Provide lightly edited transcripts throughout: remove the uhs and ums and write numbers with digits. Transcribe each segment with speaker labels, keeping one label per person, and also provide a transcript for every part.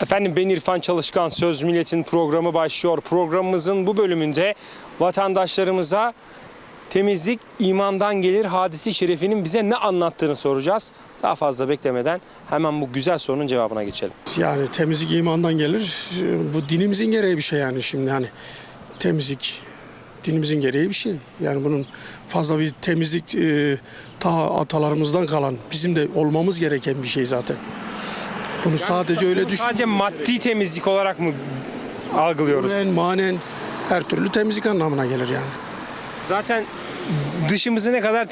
Speaker 1: Efendim ben İrfan Çalışkan, Söz Milletin programı başlıyor. Programımızın bu bölümünde vatandaşlarımıza temizlik imandan gelir hadisi şerifinin bize ne anlattığını soracağız. Daha fazla beklemeden hemen bu güzel sorunun cevabına geçelim.
Speaker 2: Yani temizlik imandan gelir. Bu dinimizin gereği bir şey yani şimdi hani temizlik dinimizin gereği bir şey. Yani bunun fazla bir temizlik ta atalarımızdan kalan bizim de olmamız gereken bir şey zaten. Bunu sadece öyle düşün.
Speaker 1: Sadece maddi temizlik olarak mı algılıyoruz?
Speaker 2: Manen her türlü temizlik anlamına gelir yani.
Speaker 1: Zaten dışımızı ne kadar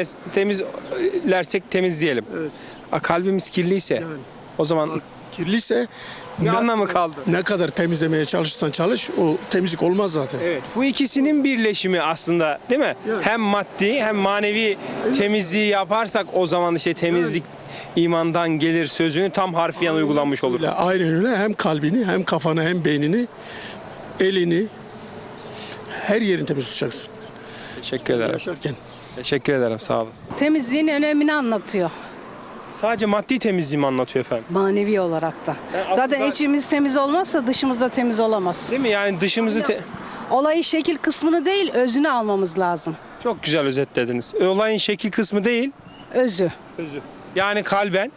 Speaker 1: temizlersek temizleyelim.
Speaker 2: Evet.
Speaker 1: Kalbimiz kirliyse
Speaker 2: Yani.
Speaker 1: o zaman
Speaker 2: Kirliyse
Speaker 1: ne anlamı kaldı?
Speaker 2: ne kadar temizlemeye çalışırsan çalış o temizlik olmaz zaten.
Speaker 1: Evet. Bu ikisinin birleşimi aslında değil mi?
Speaker 2: Yani.
Speaker 1: Hem maddi hem manevi temizliği yaparsak o zaman işte temizlik imandan gelir sözünü tam harfiyen uygulanmış olur.
Speaker 2: Aynen öyle hem kalbini hem kafanı hem beynini elini her yerini temiz tutacaksın
Speaker 1: Teşekkür ederim.
Speaker 2: yaşarken.
Speaker 1: Teşekkür ederim. Sağ olasın.
Speaker 3: Temizliğin önemini anlatıyor
Speaker 1: Sadece maddi temizliği mi anlatıyor efendim?
Speaker 3: manevi olarak da.
Speaker 1: Yani
Speaker 3: Zaten
Speaker 1: aslında-
Speaker 3: içimiz temiz olmazsa dışımız da temiz olamaz.
Speaker 1: Değil mi? Yani dışımızı
Speaker 3: Olayı şekil kısmını değil özünü almamız lazım.
Speaker 1: çok güzel özetlediniz. Olayın şekil kısmı değil,
Speaker 3: Özü.
Speaker 1: özü. Yani kalben,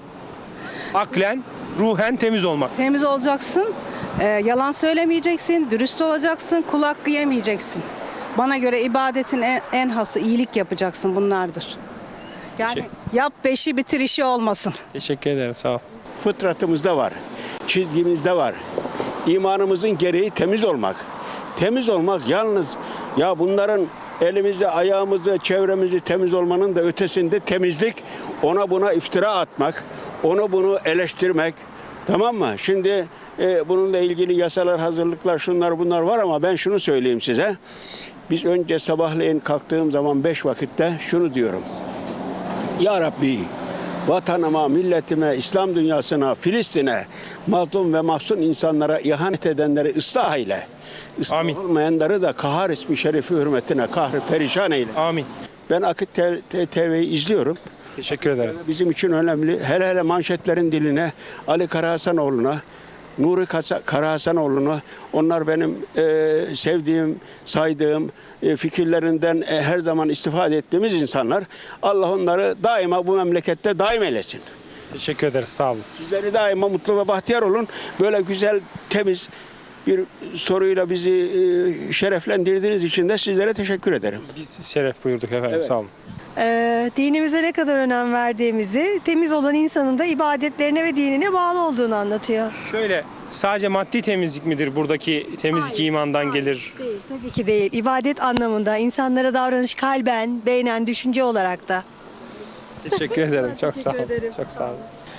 Speaker 1: aklen, ruhen temiz olmak.
Speaker 3: Temiz olacaksın, yalan söylemeyeceksin, dürüst olacaksın, kul hakkı yemeyeceksin. Bana göre ibadetin en hası iyilik yapacaksın bunlardır. Yani yap beşi bitir işi olmasın.
Speaker 1: Teşekkür ederim. Sağ ol.
Speaker 4: Fıtratımızda var, çizgimizde var. İmanımızın gereği temiz olmak. Temiz olmak yalnız ya bunların elimizi, ayağımızı, çevremizi temiz olmanın da ötesinde temizlik ona buna iftira atmak, onu bunu eleştirmek. Tamam mı? Şimdi bununla ilgili yasalar, hazırlıklar, şunlar bunlar var ama ben şunu söyleyeyim size. Biz önce sabahleyin kalktığım zaman 5 vakitte şunu diyorum. Ya Rabbi, vatanıma, milletime, İslam dünyasına, Filistin'e, mazlum ve mahzun insanlara ihanet edenleri ıslah eyle. Islah
Speaker 1: Amin.
Speaker 4: olmayanları da kahar ismi şerifi hürmetine kahrı perişan eyle.
Speaker 1: Amin.
Speaker 4: Ben Akit TV'yi izliyorum.
Speaker 1: Teşekkür ederiz.
Speaker 4: Bizim için önemli. Hele hele manşetlerin diline, Ali Karahasanoğlu'na, Nuri Karahasanoğlu'na, onlar benim sevdiğim, saydığım, fikirlerinden her zaman istifade ettiğimiz insanlar. Allah onları daima bu memlekette daim eylesin.
Speaker 1: Teşekkür ederiz. Sağ olun.
Speaker 4: Sizleri daima mutlu ve bahtiyar olun. Böyle güzel, temiz bir soruyla bizi şereflendirdiğiniz için de sizlere teşekkür ederim.
Speaker 1: Biz şeref buyurduk efendim.
Speaker 4: Evet.
Speaker 1: Sağ olun.
Speaker 5: Dinimize ne kadar önem verdiğimizi, temiz olan insanın da ibadetlerine ve dinine bağlı olduğunu anlatıyor.
Speaker 1: Şöyle sadece maddi temizlik midir buradaki temizlik
Speaker 5: Hayır,
Speaker 1: imandan
Speaker 5: hayır,
Speaker 1: gelir?
Speaker 5: Değil, tabii ki değil. İbadet anlamında insanlara davranış kalben, beynen, düşünce olarak da.
Speaker 1: Teşekkür ederim. Çok sağ olun.
Speaker 5: ederim.
Speaker 1: Çok sağ olun.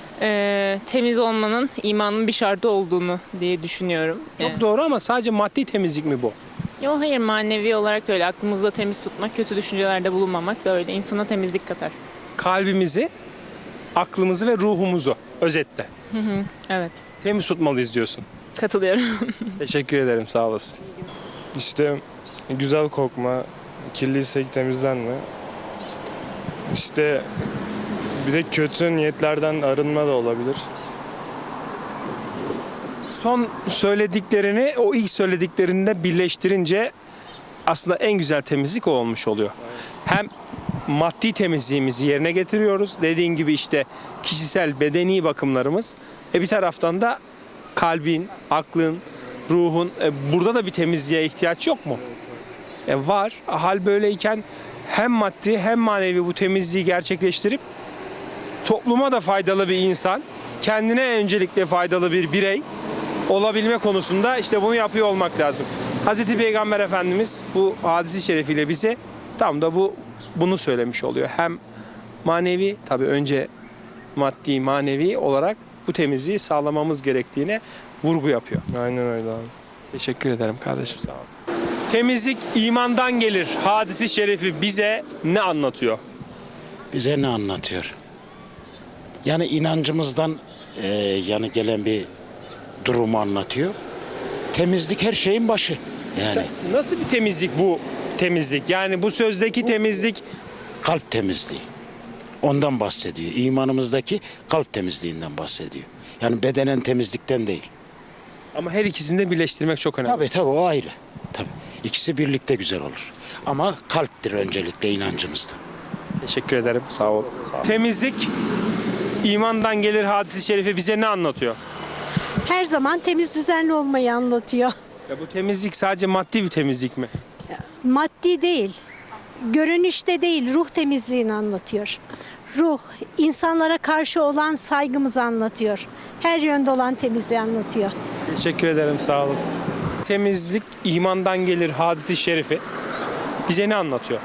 Speaker 6: Temiz olmanın imanın bir şartı olduğunu diye düşünüyorum.
Speaker 1: Çok doğru ama sadece maddi temizlik mi bu?
Speaker 6: Yok hayır, manevi olarak öyle. Aklımızda temiz tutmak, kötü düşüncelerde bulunmamak da öyle. İnsana temizlik katar.
Speaker 1: Kalbimizi, aklımızı ve ruhumuzu özetle
Speaker 6: Evet,
Speaker 1: temiz tutmalıyız diyorsun.
Speaker 6: katılıyorum.
Speaker 1: Teşekkür ederim. Sağ olasın.
Speaker 7: İşte güzel kokma, kirliysek temizlenme. İşte bir de kötü niyetlerden arınma da olabilir.
Speaker 1: Son söylediklerini o ilk söylediklerinde birleştirince aslında en güzel temizlik o olmuş oluyor. Hem maddi temizliğimizi yerine getiriyoruz. Dediğin gibi işte kişisel bedeni bakımlarımız. Bir taraftan da kalbin, aklın, ruhun burada da bir temizliğe ihtiyaç yok mu? Var. Hal böyleyken hem maddi hem manevi bu temizliği gerçekleştirip topluma da faydalı bir insan, kendine öncelikle faydalı bir birey olabilme konusunda işte bunu yapıyor olmak lazım. Hazreti Peygamber Efendimiz bu hadisi şerefiyle bize tam da bunu söylemiş oluyor. Hem manevi, tabii önce maddi manevi olarak bu temizliği sağlamamız gerektiğine vurgu yapıyor.
Speaker 7: Aynen öyle abi.
Speaker 1: Teşekkür ederim kardeşim, sağ ol. Temizlik imandan gelir hadisi şerifi bize ne anlatıyor?
Speaker 8: Bize ne anlatıyor? Yani inancımızdan yani gelen bir durumu anlatıyor. Temizlik her şeyin başı. Yani
Speaker 1: Nasıl bir temizlik bu temizlik? Yani bu sözdeki temizlik
Speaker 8: kalp temizliği. Ondan bahsediyor. İmanımızdaki kalp temizliğinden bahsediyor. Yani bedenen temizlikten değil.
Speaker 1: Ama her ikisini de birleştirmek çok önemli.
Speaker 8: Tabii o ayrı. Tabii. İkisi birlikte güzel olur. Ama kalptir öncelikle inancımızda.
Speaker 1: Teşekkür ederim. Sağ ol. Temizlik imandan gelir hadisi şerifi bize ne anlatıyor?
Speaker 9: Her zaman temiz düzenli olmayı anlatıyor.
Speaker 1: Ya bu temizlik sadece maddi bir temizlik mi?
Speaker 9: Maddi değil, görünüşte değil, ruh temizliğini anlatıyor. Ruh, insanlara karşı olan saygımızı anlatıyor. Her yönde olan temizliği anlatıyor.
Speaker 1: Teşekkür ederim. Sağ olasın. Temizlik imandan gelir hadisi şerifi bize ne anlatıyor?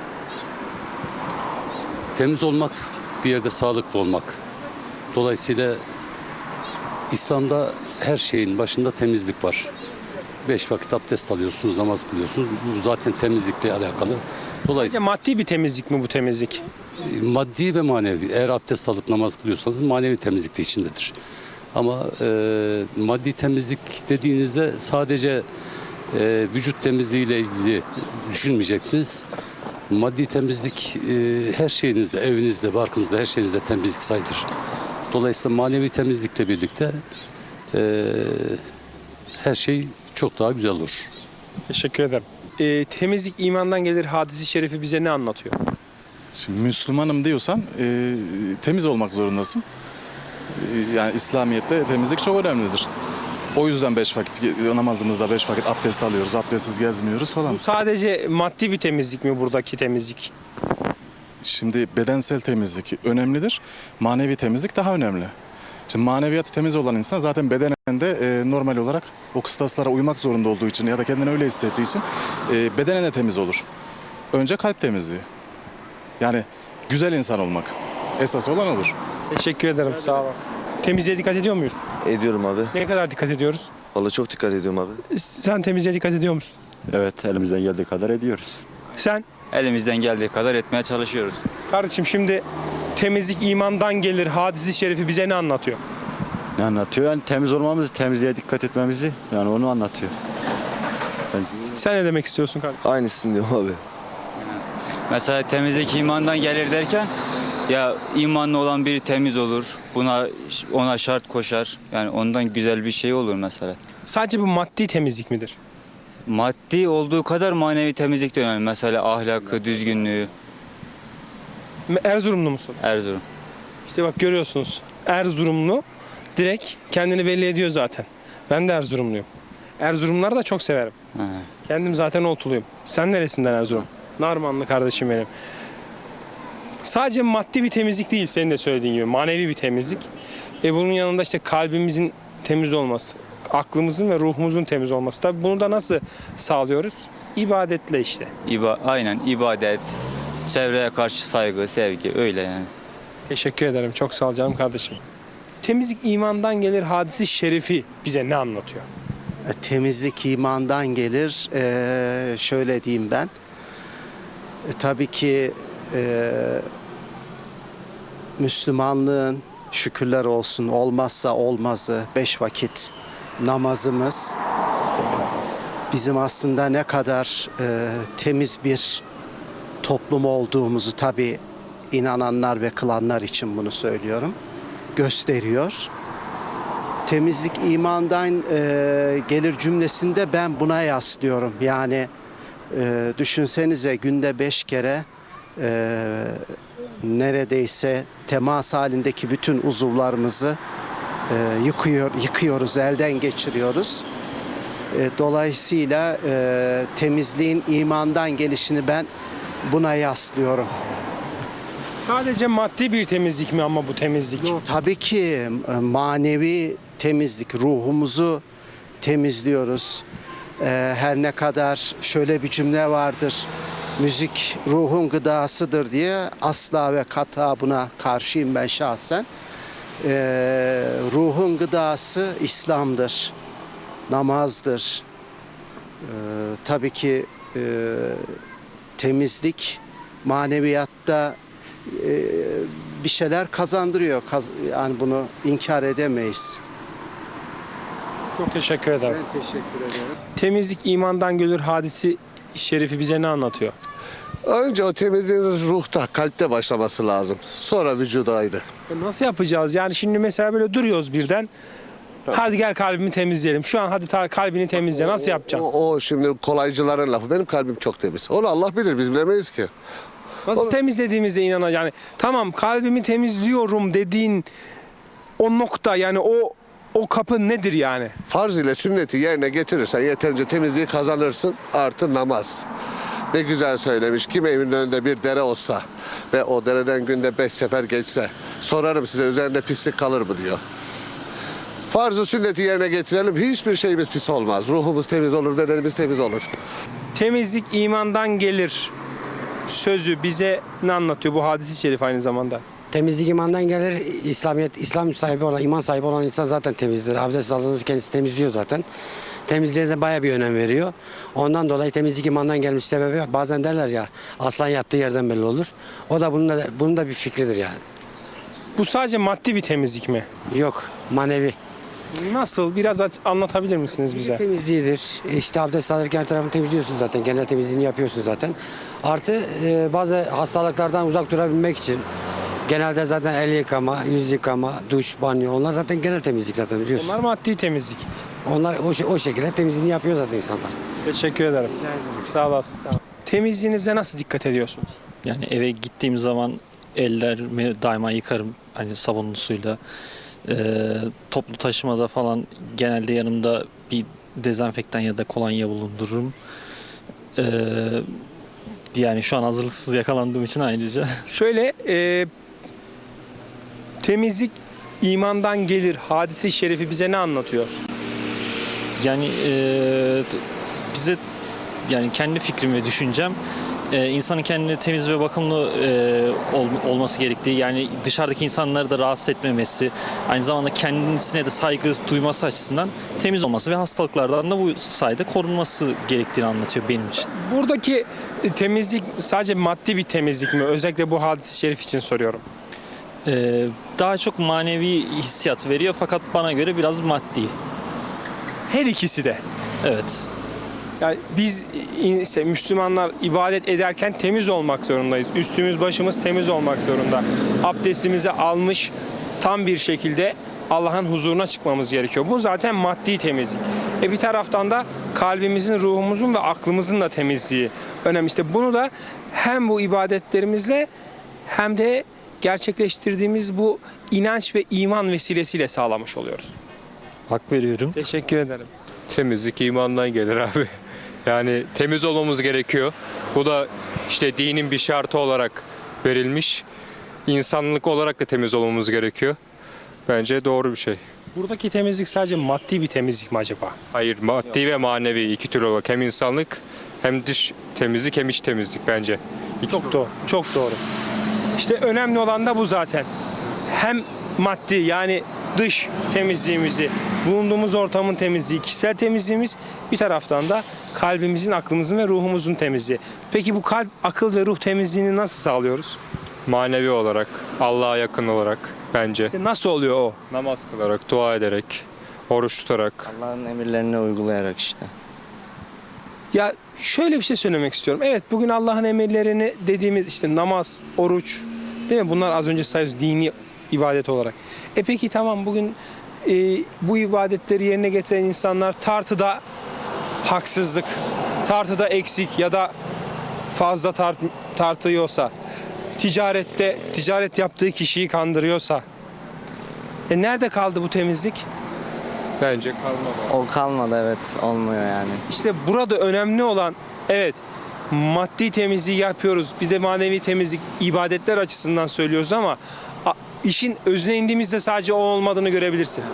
Speaker 10: Temiz olmak, bir yerde sağlıklı olmak. Dolayısıyla İslam'da her şeyin başında temizlik var. 5 vakit abdest alıyorsunuz, namaz kılıyorsunuz. Bu zaten temizlikle alakalı.
Speaker 1: Sadece
Speaker 10: Dolayısıyla
Speaker 1: maddi bir temizlik mi bu temizlik?
Speaker 10: maddi ve manevi. Eğer abdest alıp namaz kılıyorsanız manevi temizlik de içindedir. Ama maddi temizlik dediğinizde sadece vücut temizliğiyle ilgili düşünmeyeceksiniz. Maddi temizlik her şeyinizde, evinizde, barkınızda, her şeyinizde temizlik sayılır. Dolayısıyla manevi temizlikle birlikte her şey çok daha güzel olur.
Speaker 1: Teşekkür ederim. Temizlik imandan gelir hadisi şerifi bize ne anlatıyor?
Speaker 11: Şimdi Müslümanım diyorsan temiz olmak zorundasın. Yani İslamiyet'te temizlik çok önemlidir. O yüzden 5 vakit namazımızda 5 vakit abdest alıyoruz. Abdestsiz gezmiyoruz falan.
Speaker 1: Bu sadece maddi bir temizlik mi buradaki temizlik?
Speaker 11: Şimdi bedensel temizlik önemlidir. Manevi temizlik daha önemli. Şimdi maneviyatı temiz olan insan zaten bedenen de normal olarak o kıstaslara uymak zorunda olduğu için ya da kendini öyle hissettiği için bedenen de temiz olur. Önce kalp temizliği. Yani güzel insan olmak. Esas olan olur.
Speaker 1: Teşekkür ederim. Sağ olun. Temizliğe dikkat ediyor muyuz?
Speaker 12: Ediyorum abi.
Speaker 1: Ne kadar dikkat ediyoruz?
Speaker 12: Vallahi çok dikkat ediyorum abi.
Speaker 1: Sen temizliğe dikkat ediyor musun?
Speaker 12: Evet, elimizden geldiği kadar ediyoruz.
Speaker 1: Sen?
Speaker 13: Elimizden geldiği kadar etmeye çalışıyoruz.
Speaker 1: Kardeşim şimdi temizlik imandan gelir hadisi şerifi bize ne anlatıyor?
Speaker 12: Ne anlatıyor? Yani temiz olmamızı, temizliğe dikkat etmemizi, yani onu anlatıyor.
Speaker 1: Sen ne demek istiyorsun kardeşim?
Speaker 12: Aynısını diyorum abi.
Speaker 13: Mesela temizlik imandan gelir derken ya imanlı olan biri temiz olur. Ona şart koşar. Yani ondan güzel bir şey olur mesela.
Speaker 1: Sadece bu maddi temizlik midir?
Speaker 13: Maddi olduğu kadar manevi temizlik de önemli. Mesela ahlakı, düzgünlüğü.
Speaker 1: Erzurumlu musun?
Speaker 13: Erzurum.
Speaker 1: İşte bak görüyorsunuz. Erzurumlu direkt kendini belli ediyor zaten. Ben de Erzurumluyum. Erzurumları da çok severim.
Speaker 13: Ha.
Speaker 1: Kendim zaten Oltuluyum. Sen neresinden Erzurum? Narmanlı kardeşim benim. Sadece maddi bir temizlik değil senin de söylediğin gibi. Manevi bir temizlik. Bunun yanında işte kalbimizin temiz olması, aklımızın ve ruhumuzun temiz olması. Tabii bunu da nasıl sağlıyoruz? İbadetle işte.
Speaker 13: Aynen ibadet, çevreye karşı saygı, sevgi öyle yani.
Speaker 1: Teşekkür ederim. Çok sağ ol canım kardeşim. Temizlik imandan gelir hadisi şerifi bize ne anlatıyor?
Speaker 14: Temizlik imandan gelir. Şöyle diyeyim ben. Tabii ki Müslümanlığın şükürler olsun olmazsa olmazı 5 vakit namazımız bizim aslında ne kadar temiz bir toplum olduğumuzu tabii inananlar ve kılanlar için bunu söylüyorum gösteriyor. Temizlik imandan gelir cümlesinde ben buna yaslıyorum. Yani düşünsenize günde 5 kere neredeyse temas halindeki bütün uzuvlarımızı yıkıyoruz, elden geçiriyoruz. Dolayısıyla temizliğin imandan gelişini ben buna yaslıyorum.
Speaker 1: Sadece maddi bir temizlik mi ama bu temizlik?
Speaker 14: Yok, tabii ki manevi temizlik, ruhumuzu temizliyoruz. Her ne kadar şöyle bir cümle vardır, müzik ruhun gıdasıdır diye asla ve kata buna karşıyım ben şahsen. Ruhun gıdası İslam'dır, namazdır. Tabii ki temizlik maneviyatta bir şeyler kazandırıyor. Yani bunu inkar edemeyiz.
Speaker 1: Çok teşekkür ederim.
Speaker 14: Ben teşekkür ederim.
Speaker 1: Temizlik imandan gelir hadisi şerifi bize ne anlatıyor?
Speaker 15: Önce o temizliğin ruhta, kalpte başlaması lazım. Sonra vücuda ayrı.
Speaker 1: Nasıl yapacağız? Yani şimdi mesela böyle duruyoruz birden. Hadi gel kalbimi temizleyelim. Şu an hadi kalbini temizle. Nasıl yapacaksın?
Speaker 15: O şimdi kolaycıların lafı. Benim kalbim çok temiz. Onu Allah bilir, biz bilemeyiz ki.
Speaker 1: Nasıl temizlediğimize yani tamam kalbimi temizliyorum dediğin o nokta yani o kapı nedir yani?
Speaker 15: Farz ile sünneti yerine getirirsen yeterince temizliği kazanırsın. Artı namaz. Ne güzel söylemiş. Kim evinin önünde bir dere olsa ve o dereden günde 5 sefer geçse sorarım size üzerinde pislik kalır mı diyor. Farz-ı sünneti yerine getirelim. Hiçbir şeyimiz pis olmaz. Ruhumuz temiz olur, bedenimiz temiz olur.
Speaker 1: Temizlik imandan gelir sözü bize ne anlatıyor bu hadis-i şerif aynı zamanda?
Speaker 16: Temizlik imandan gelir. İslam sahibi olan, iman sahibi olan insan zaten temizdir. Abdest alınır, kendisi temizliyor zaten. Temizliğe de bayağı bir önem veriyor. Ondan dolayı temizlik imandan gelmiş sebebi bazen derler ya aslan yattığı yerden belli olur. O da bunun da bir fikridir yani.
Speaker 1: Bu sadece maddi bir temizlik mi?
Speaker 16: Yok, manevi.
Speaker 1: Nasıl? Biraz anlatabilir misiniz bize?
Speaker 16: Temizliğidir. İşte abdest alırken her tarafını temizliyorsun zaten. Genel temizliğini yapıyorsun zaten. Artı bazı hastalıklardan uzak durabilmek için genelde zaten el yıkama, yüz yıkama, duş, banyo onlar zaten genel temizlik zaten biliyorsun.
Speaker 1: Onlar maddi temizlik.
Speaker 16: Onlar o şekilde temizliğini yapıyor zaten insanlar.
Speaker 1: Teşekkür ederim. Sağ olasın. Temizliğinize nasıl dikkat ediyorsunuz?
Speaker 17: Yani eve gittiğim zaman ellerimi daima yıkarım hani sabunlu suyla. Toplu taşımada falan genelde yanımda bir dezenfektan ya da kolonya bulundururum. Yani şu an hazırlıksız yakalandığım için ayrıca.
Speaker 1: Şöyle temizlik imandan gelir hadisi şerifi bize ne anlatıyor?
Speaker 17: Yani bize yani kendi fikrim ve düşüncem insanın kendine temiz ve bakımlı olması gerektiği yani dışarıdaki insanları da rahatsız etmemesi aynı zamanda kendisine de saygı duyması açısından temiz olması ve hastalıklardan da bu sayede korunması gerektiğini anlatıyor benim için.
Speaker 1: Buradaki temizlik sadece maddi bir temizlik mi? Özellikle bu hadis-i şerif için soruyorum.
Speaker 17: Daha çok manevi hissiyat veriyor fakat bana göre biraz maddi.
Speaker 1: Her ikisi de.
Speaker 17: Evet.
Speaker 1: Yani biz işte Müslümanlar ibadet ederken temiz olmak zorundayız. Üstümüz başımız temiz olmak zorunda. Abdestimizi almış tam bir şekilde Allah'ın huzuruna çıkmamız gerekiyor. Bu zaten maddi temizlik. Bir taraftan da kalbimizin, ruhumuzun ve aklımızın da temizliği önemli. İşte bunu da hem bu ibadetlerimizle hem de gerçekleştirdiğimiz bu inanç ve iman vesilesiyle sağlamış oluyoruz.
Speaker 17: Hak veriyorum.
Speaker 1: Teşekkür ederim.
Speaker 18: Temizlik imandan gelir abi. Yani temiz olmamız gerekiyor. Bu da işte dinin bir şartı olarak verilmiş. İnsanlık olarak da temiz olmamız gerekiyor. Bence doğru bir şey.
Speaker 1: Buradaki temizlik sadece maddi bir temizlik mi acaba?
Speaker 18: Hayır, maddi ve manevi iki tür olarak hem insanlık hem dış temizlik hem iç temizlik bence.
Speaker 1: Çok doğru. Çok doğru. İşte önemli olan da bu zaten. Hem maddi yani dış temizliğimizi, bulunduğumuz ortamın temizliği, kişisel temizliğimiz bir taraftan da kalbimizin, aklımızın ve ruhumuzun temizliği. Peki bu kalp, akıl ve ruh temizliğini nasıl sağlıyoruz?
Speaker 18: Manevi olarak, Allah'a yakın olarak bence.
Speaker 1: İşte nasıl oluyor o?
Speaker 18: Namaz kılarak, dua ederek, oruç tutarak.
Speaker 19: Allah'ın emirlerini uygulayarak işte.
Speaker 1: Ya şöyle bir şey söylemek istiyorum. Evet bugün Allah'ın emirlerini dediğimiz işte namaz, oruç değil mi? Bunlar az önce sayıyoruz dini ibadet olarak. Peki tamam bugün bu ibadetleri yerine getiren insanlar tartıda haksızlık, tartıda eksik ya da fazla tartıyorsa, ticaret yaptığı kişiyi kandırıyorsa nerede kaldı bu temizlik?
Speaker 18: Bence kalmadı.
Speaker 19: O kalmadı evet olmuyor yani.
Speaker 1: İşte burada önemli olan evet maddi temizliği yapıyoruz bir de manevi temizlik ibadetler açısından söylüyoruz ama işin özüne indiğimizde sadece o olmadığını görebilirsin.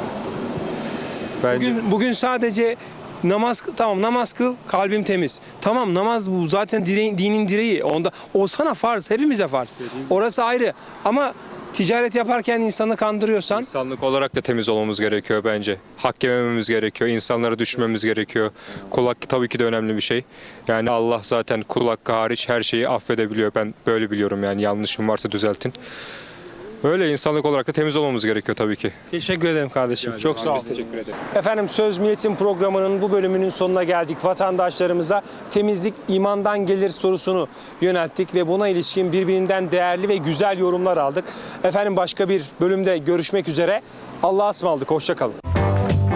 Speaker 18: Bence.
Speaker 1: Bugün sadece namaz kıl kalbim temiz. Tamam namaz bu zaten dinin direği. O sana farz hepimize farz. Orası ayrı ama ticaret yaparken insanı kandırıyorsan.
Speaker 18: İnsanlık olarak da temiz olmamız gerekiyor bence. Hak yemememiz gerekiyor, insanlara düşmememiz gerekiyor. Kul hakkı tabii ki de önemli bir şey. Yani Allah zaten kul hakkı hariç her şeyi affedebiliyor. Ben böyle biliyorum yani yanlışım varsa düzeltin. Öyle insanlık olarak da temiz olmamız gerekiyor tabii ki.
Speaker 1: Teşekkür ederim kardeşim. Çok sağ olun. Teşekkür ederim. Efendim Söz Milletin programının bu bölümünün sonuna geldik. Vatandaşlarımıza temizlik imandan gelir sorusunu yönelttik ve buna ilişkin birbirinden değerli ve güzel yorumlar aldık. Efendim başka bir bölümde görüşmek üzere. Allah'a ısmarladık. Hoşça kalın.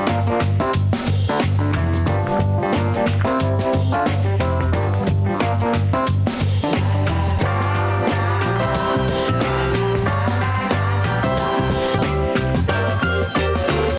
Speaker 20: Müzik